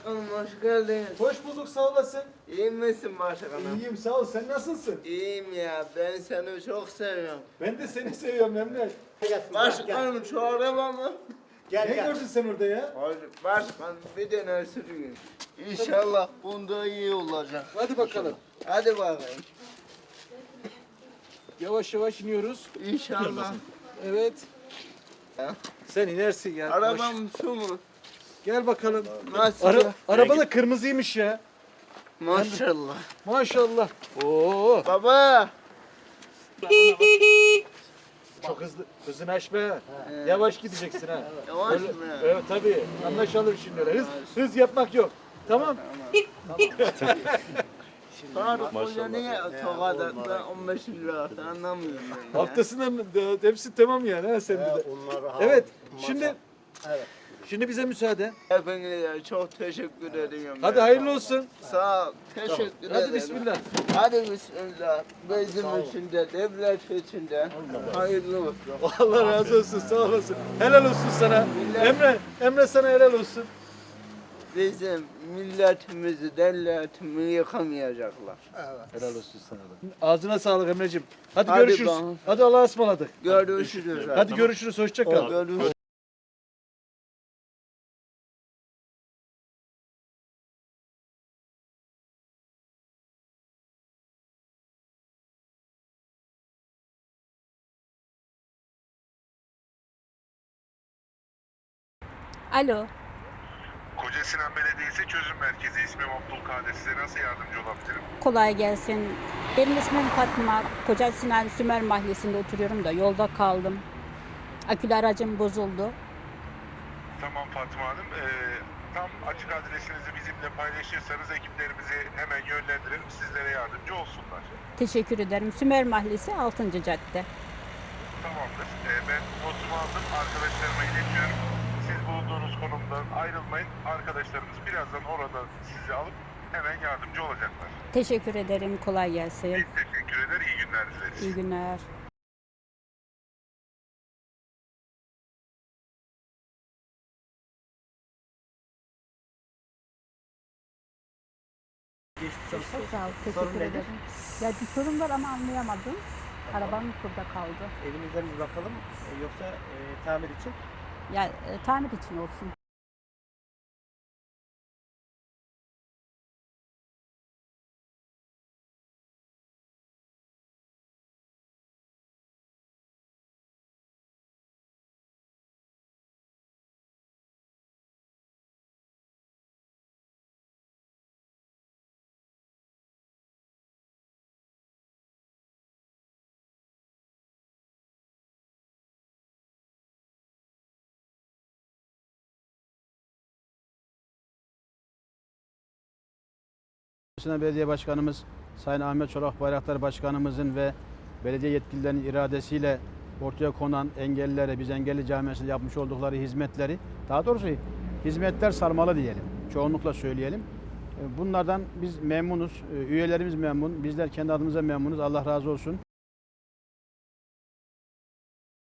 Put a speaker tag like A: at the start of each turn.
A: Başkanım hoş geldin.
B: Hoş bulduk, sağ olasın.
A: İyi misin başkanım?
B: İyiyim, sağ ol. Sen nasılsın?
A: İyiyim ya, ben seni çok seviyorum.
B: Ben de seni seviyorum Emre.
A: Başkanım şu araba mı?
B: Ne gördün sen orada ya?
A: Başkanım bir tane sürüyün. İnşallah bunda iyi olacak.
B: Hadi bakalım.
A: Hadi bakayım.
B: Yavaş yavaş iniyoruz.
A: İnşallah.
B: Evet.
A: Ha?
B: Sen inersin ya.
A: Arabam şu mu?
B: Gel bakalım.
A: Nasıl ya?
B: Araba da kırmızıymış ya.
A: Maşallah.
B: Maşallah. Oo.
A: Baba.
B: Çok hızını aşma. Yavaş gideceksin ha.
A: Yavaş
B: Öyle-
A: mı?
B: Evet tabii. Anlaşalım şimdi öyle. Hız yapmak yok. Tamam.
A: Faruk Hoca niye Tokat'ta 15 lira attı anlamıyorum ben ya.
B: Haftasının hepsi tamam yani ha sende de. Evet. Şimdi bize müsaade.
A: Hepinize çok teşekkür ediyorum.
B: Hadi
A: ya.
B: hayırlı olsun.
A: Sağ ol. Teşekkür ederim.
B: Hadi bismillah.
A: Hadi bismillah. Bizim için de, devlet için de hayırlı olsun.
B: Allah razı olsun. Sağ olasın. Helal olsun sana. Emre sana helal olsun.
A: Bizim milletimizi, devletimi yıkamayacaklar.
B: Helal olsun sana da. Ağzına sağlık Emre'cim. Hadi,
A: Hadi
B: görüşürüz.
A: bakalım.
B: Hadi Allah'a ısmarladık.
A: Görüşürüz.
B: Hadi görüşürüz. Hoşça kal.
A: Görüşürüz.
C: Alo,
D: Koca Sinan Belediyesi Çözüm Merkezi. İsmim Abdülkadir. Size nasıl yardımcı olabilirim?
C: kolay gelsin. Benim ismim Fatma. Koca Sinan Sümer Mahallesi'nde oturuyorum da yolda kaldım. Akülü aracım bozuldu.
D: Tamam Fatma Hanım. Tam açık adresinizi bizimle paylaşırsanız ekiplerimizi hemen yönlendirelim. Sizlere yardımcı olsunlar.
C: Teşekkür ederim. Sümer Mahallesi 6. cadde.
D: Tamamdır. Ben notumu aldım. Arkadaşlarıma iletiyorum. Siz bulunduğunuz konumdan ayrılmayın. Arkadaşlarımız birazdan orada sizi alıp hemen yardımcı olacaklar.
C: Teşekkür ederim. Kolay gelsin.
D: Biz teşekkür eder. İyi günler dileriz.
C: İyi günler. Çok sağ ol. Teşekkür ederim. Ya bir sorun var ama anlayamadım. Arabam burada kaldı.
E: Evinizden bir bakalım yoksa tamir için.
C: Ya tamir için olsun.
E: Sinan Belediye Başkanımız Sayın Ahmet Çolak Bayraktar Başkanımızın ve belediye yetkililerinin iradesiyle ortaya konan engellilere, biz engelli camiasında yapmış oldukları hizmetleri, daha doğrusu hizmetler sarmalı diyelim, çoğunlukla söyleyelim. Bunlardan biz memnunuz, üyelerimiz memnun, bizler kendi adımıza memnunuz. Allah razı olsun.